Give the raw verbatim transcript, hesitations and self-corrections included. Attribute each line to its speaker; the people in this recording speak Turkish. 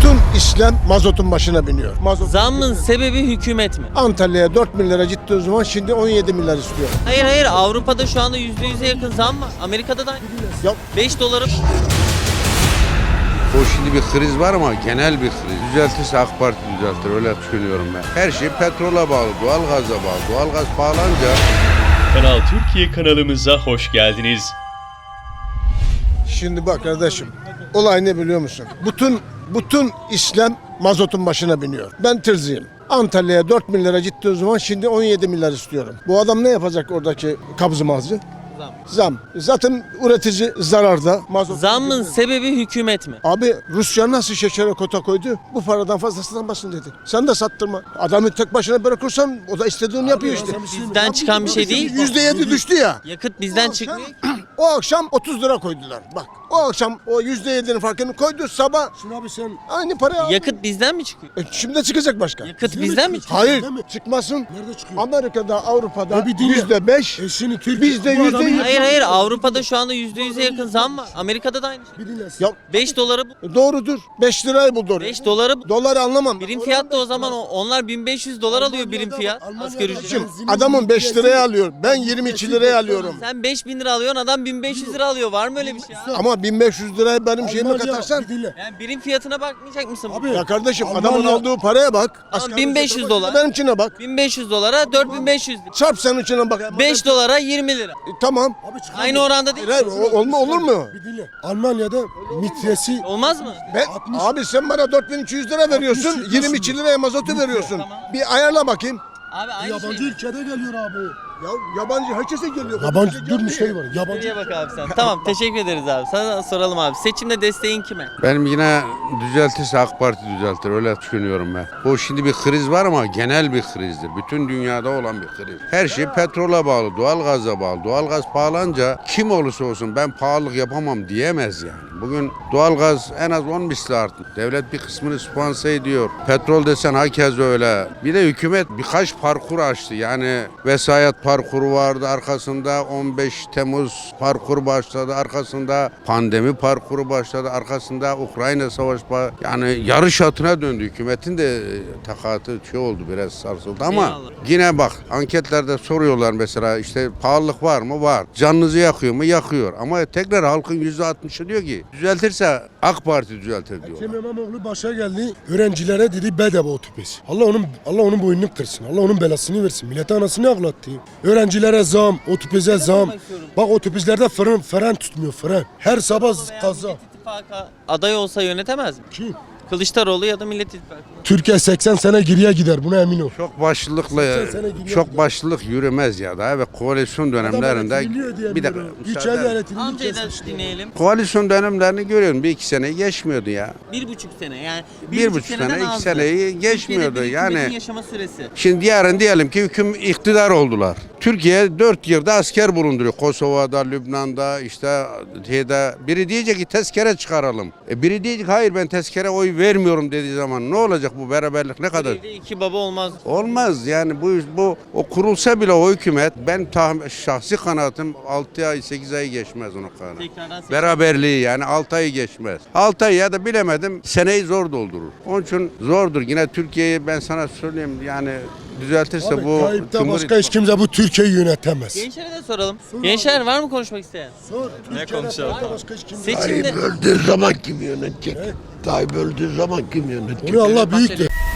Speaker 1: Bütün İslam mazotun başına biniyor. Mazot.
Speaker 2: Zammın sebebi hükümet mi?
Speaker 1: Antalya'ya dört milyara ciddi o zaman şimdi on yedi milyar istiyor.
Speaker 2: Hayır hayır, Avrupa'da şu anda yüzde yüze yakın zam var. Amerika'da da aynı.
Speaker 1: Ya
Speaker 2: beş doları
Speaker 3: O şimdi bir kriz var ama genel bir kriz. Düzeltirse AK Parti düzeltir, öyle düşünüyorum ben. Her şey petrola bağlı, doğalgaza bağlı. Doğalgaz pahalanca...
Speaker 4: Kanal Türkiye kanalımıza hoş geldiniz.
Speaker 1: şimdi bak kardeşim, olay ne biliyor musun? Bütün bütün İslam mazotun başına biniyor. Ben tırzıyım. Antalya'ya dört milyara ciddi o zaman şimdi on yedi milyar istiyorum. Bu adam ne yapacak oradaki kabzı mazı?
Speaker 2: zam.
Speaker 1: Zam. Zaten üretici zararda. Mazot.
Speaker 2: Zammın sebebi hükümet mi?
Speaker 1: Abi Rusya nasıl şekere kota koydu? Bu paradan fazlasından basın dedi. Sen de sattırma. Adamı tek başına bırakırsan o da istediğini yapıyor işte.
Speaker 2: Bizden çıkan bir şey değil.
Speaker 1: yüzde yedi düştü ya.
Speaker 2: Yakıt bizden çıkmıyor ki.
Speaker 1: O akşam otuz lira koydular. Bak o akşam o yüzde yedinin farkını koydu, sabah
Speaker 5: Şimdi abi sen
Speaker 1: aynı parayı aldı.
Speaker 2: Yakıt bizden mi çıkıyor?
Speaker 1: E, şimdi çıkacak başka.
Speaker 2: Yakıt bizden mi çıkıyor?
Speaker 1: Hayır
Speaker 5: Değil mi?
Speaker 1: çıkmasın.
Speaker 5: nerede çıkıyor?
Speaker 1: Amerika'da, Avrupa'da
Speaker 5: Ya bir dinle.
Speaker 1: yüzde beş.
Speaker 5: E şimdi Türkiye
Speaker 1: Bizde
Speaker 5: bu
Speaker 1: yüzde
Speaker 5: adamın-
Speaker 1: yüz.
Speaker 2: Hayır hayır, Avrupa'da şu anda yüzde yüze yakın zam var. Amerika'da da aynı şey.
Speaker 5: Bir dinle.
Speaker 1: Ya
Speaker 2: beş doları bu.
Speaker 1: doğrudur. beş lirayı bul doğru.
Speaker 2: beş doları bu.
Speaker 1: Doları anlamam.
Speaker 2: Birim fiyat da o zaman o- onlar bin beş yüz dolar alıyor birim fiyat.
Speaker 5: Almanya'da-
Speaker 2: Asgari ücret.
Speaker 1: Şimdi adamın beş liraya alıyor. Ben yirmi iki liraya alıyorum.
Speaker 2: Sen beş bin lira alıyorsun, adam bin beş yüz lira alıyor. Var mı öyle bir şey ya?
Speaker 1: Ama bin beş yüz lirayı benim şeyime
Speaker 5: Almanya-
Speaker 1: katarsan.
Speaker 5: Bir dinle.
Speaker 2: Yani birim fiyatına bakmayacak mısın?
Speaker 5: Abi,
Speaker 1: Ya kardeşim
Speaker 5: Almanya-
Speaker 1: adamın aldığı paraya bak.
Speaker 2: Tamam, bin beş yüz dolar.
Speaker 1: Benimkine bak.
Speaker 2: bin beş yüz dolara dört bin beş yüz lira.
Speaker 1: Çarp sen içine bak.
Speaker 2: beş dolara yirmi lira.
Speaker 1: E, tamam.
Speaker 5: Abi çıkar
Speaker 2: Aynı
Speaker 5: mı?
Speaker 2: oranda değil.
Speaker 1: Hayır, o- olma olur mu?
Speaker 5: Bir dinle. Almanya'da mitresi
Speaker 2: Olmaz mı?
Speaker 1: Ben,
Speaker 5: altmış.
Speaker 1: abi sen bana dört bin iki yüz lira veriyorsun.
Speaker 5: altmış
Speaker 1: yirmi iki liraya mazotu veriyorsun. Bir ayarla bakayım.
Speaker 2: Abi aynı
Speaker 5: yabancı
Speaker 2: şey.
Speaker 5: ülkede geliyor abi.
Speaker 1: Ya yabancı herkese geliyor.
Speaker 5: Yabancı dur müşteri var. Yabancı.
Speaker 2: Nereye bak abi sen. Tamam, teşekkür ederiz abi. Sana soralım abi. Seçimde desteğin kime?
Speaker 3: Benim yine düzeltirse AK Parti düzeltir, öyle düşünüyorum ben. O şimdi bir kriz var ama genel bir krizdir. Bütün dünyada olan bir kriz. Her şey petrola bağlı, doğalgaza bağlı. Doğalgaz pahalanca kim olursa olsun ben pahalılık yapamam diyemez yani. Bugün doğalgaz en az on misli arttı. Devlet bir kısmını sponsor ediyor. Petrol desen hakeza öyle. Bir de hükümet birkaç parkur açtı. Yani vesayet parkuru vardı, arkasında on beş Temmuz parkuru başladı, arkasında pandemi parkuru başladı, arkasında Ukrayna savaş ba- yani yarış atına döndü. Hükümetin de e, takatı şey oldu, biraz sarsıldı ama
Speaker 2: Eyvallah.
Speaker 3: yine bak anketlerde soruyorlar mesela işte pahalılık var mı? Var. Canınızı yakıyor mu? Yakıyor. Ama tekrar halkın yüzde altmışı diyor ki düzeltirse AK Parti düzeltir diyor.
Speaker 5: Ekrem İmamoğlu başa geldi. Öğrencilere dedi bedava otobüs. Allah onun Allah onun boynunu kırsın. Allah onun belasını versin. Millete anasını ağlattı. Öğrencilere zam, otobüse zam. Bak otobüslerde fren fren tutmuyor, fren. Her sabah kaza.
Speaker 2: Millet İttifakı aday olsa yönetemez mi?
Speaker 5: Kim?
Speaker 2: Kılıçdaroğlu ya da Millet İttifakı.
Speaker 5: Türkiye seksen sene geriye gider, buna emin ol.
Speaker 3: Çok başlılıkla
Speaker 5: seksen sene gidiyor
Speaker 3: çok
Speaker 5: gidiyor.
Speaker 3: başlılık yürümez ya da ve koalisyon dönemlerinde bir dakika
Speaker 5: Üç
Speaker 3: müsaade
Speaker 5: el
Speaker 3: edin.
Speaker 5: yönetimini
Speaker 2: Amcayı da
Speaker 5: kesmişti.
Speaker 2: dinleyelim.
Speaker 3: Koalisyon dönemlerini görüyorum. Bir iki seneyi geçmiyordu ya.
Speaker 2: Bir buçuk sene yani.
Speaker 3: Bir buçuk
Speaker 2: seneden
Speaker 3: sene, iki
Speaker 2: azdı.
Speaker 3: seneyi geçmiyordu.
Speaker 2: Türkiye'de bir
Speaker 3: Yani-
Speaker 2: hükümetin yaşama süresi.
Speaker 3: Şimdi yarın diyelim ki hüküm iktidar oldular. Türkiye dört yerde asker bulunduruyor. Kosova'da, Lübnan'da, işte şeyde. Biri diyecek ki tezkere çıkaralım. E biri diyecek hayır ben tezkere oy vermiyorum dediği zaman ne olacak bu beraberlik ne kadar?
Speaker 2: Evde iki baba olmaz.
Speaker 3: Olmaz yani bu bu o kurulsa bile o hükümet ben tahmin, şahsi kanaatim altı ay sekiz ay geçmez onun kanı.
Speaker 2: Tekrardan seçim.
Speaker 3: Beraberliği yani altı ay geçmez. altı ay ya da bilemedim seneyi zor doldurur. Onun için zordur. Yine Türkiye'yi ben sana söyleyeyim yani düzeltirse
Speaker 5: Abi,
Speaker 3: bu
Speaker 5: Tayyip'ten
Speaker 3: Cumhur
Speaker 5: başka hiç kimse bu Türkiye'yi yönetemez.
Speaker 2: Gençlere de soralım. Gençler var mı konuşmak isteyen?
Speaker 5: Sor, ne konuşalım? Başka hiç kimse.
Speaker 2: Seçimde
Speaker 6: Tayyip öldüğü zaman kim yönetecek? Tayyip öldüğü zaman kim yönetecek?
Speaker 5: Onu Allah büyüktür.